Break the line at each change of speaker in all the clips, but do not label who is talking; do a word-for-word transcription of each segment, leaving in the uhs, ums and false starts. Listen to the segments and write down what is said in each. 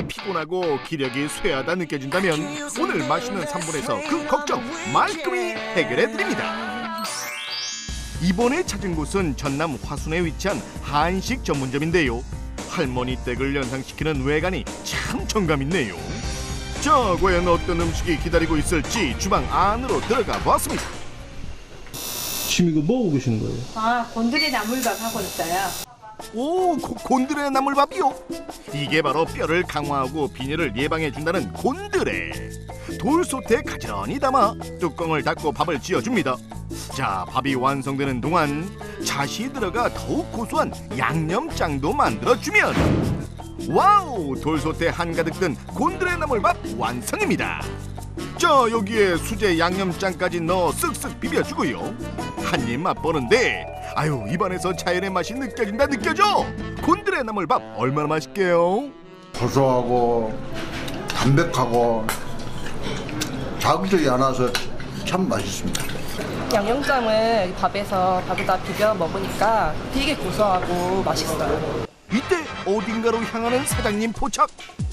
피곤하고 기력이 쇠하다 느껴진다면 오늘 맛있는 삼 분에서 그 걱정 말끔히 해결해드립니다. 이번에 찾은 곳은 전남 화순에 위치한 한식 전문점인데요. 할머니 댁을 연상시키는 외관이 참 정감있네요. 자, 과연 어떤 음식이 기다리고 있을지 주방 안으로 들어가 보았습니다.
지금 이거 뭐 하고 계시는 거예요?
아, 곤드레 나물밥 하고 있어요.
오, 고, 곤드레 나물밥이요? 이게 바로 뼈를 강화하고 빈혈을 예방해준다는 곤드레. 돌솥에 가지런히 담아 뚜껑을 닫고 밥을 지어줍니다. 자, 밥이 완성되는 동안 잣이 들어가 더욱 고소한 양념장도 만들어주면 와우! 돌솥에 한가득 든 곤드레 나물밥 완성입니다. 자, 여기에 수제 양념장까지 넣어 쓱쓱 비벼주고요. 한 입 맛보는데 아유, 입안에서 자연의 맛이 느껴진다 느껴져. 곤드레 나물밥 얼마나 맛있게요?
고소하고 담백하고 자극적이 않아서 참 맛있습니다.
양념장을 밥에서 밥에다 비벼 먹으니까 되게 고소하고 맛있어요.
이때 어딘가로 향하는 사장님 포착.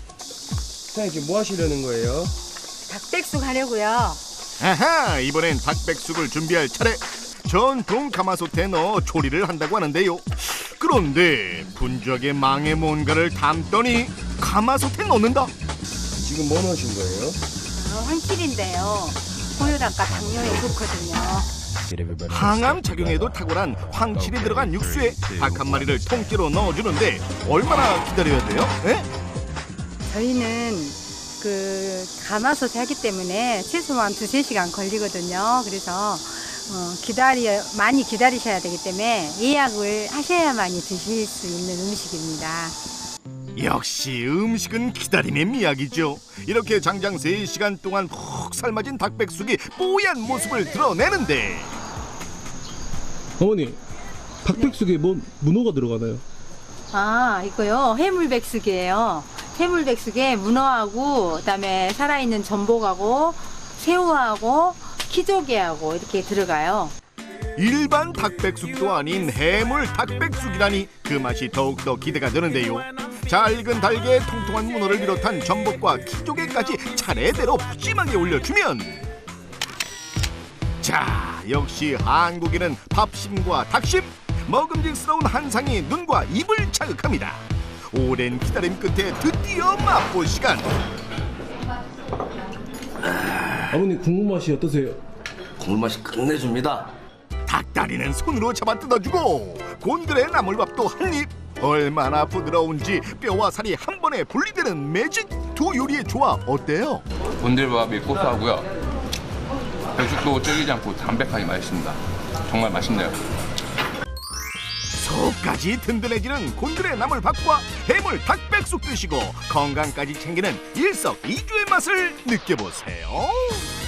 사장님 지금 뭐 하시려는 거예요?
닭백숙 하려고요.
아하, 이번엔 닭백숙을 준비할 차례. 전통 가마솥에 넣어 조리를 한다고 하는데요. 그런데 분주하게 망에 뭔가를 담더니 가마솥에 넣는다.
지금 뭐 넣으신 거예요?
어, 황칠인데요. 고혈압과 당뇨에 좋거든요.
항암 작용에도 탁월한 황칠이 들어간 육수에 닭 한 마리를 통째로 넣어주는데 얼마나 기다려야 돼요? 에?
저희는 그 가마솥에 하기 때문에 최소한 두세 시간 걸리거든요. 그래서 어, 기다려 많이 기다리셔야 되기 때문에 예약을 하셔야만이 드실 수 있는 음식입니다.
역시 음식은 기다림의 미학이죠. 이렇게 장장 세 시간 동안 푹 삶아진 닭백숙이 뽀얀 모습을 드러내는데
어머니, 닭백숙에 뭐 문어가 들어가나요?
아, 이거요. 해물백숙이에요. 해물백숙에 문어하고 그다음에 살아있는 전복하고 새우하고 키조개하고 이렇게 들어가요.
일반 닭백숙도 아닌 해물 닭백숙이라니 그 맛이 더욱더 기대가 되는데요. 잘 익은 달걀에 통통한 문어를 비롯한 전복과 키조개까지 차례대로 푸짐하게 올려주면 자, 역시 한국인은 밥심과 닭심, 먹음직스러운 한상이 눈과 입을 자극합니다. 오랜 기다림 끝에 드디어 맛볼 시간.
아버님 국물 맛이 어떠세요?
국물 맛이 끝내줍니다.
닭다리는 손으로 잡아 뜯어주고 곤드레 나물밥도 한 입. 얼마나 부드러운지 뼈와 살이 한 번에 분리되는 매직. 두 요리의 조합 어때요?
곤드레밥이 고소하고요. 백숙도 질기지 않고 담백하게 맛있습니다. 정말 맛있네요.
속까지 든든해지는 곤드레 나물밥과 해물 닭백숙 드시고 건강까지 챙기는 일석이조의 맛을 느껴보세요.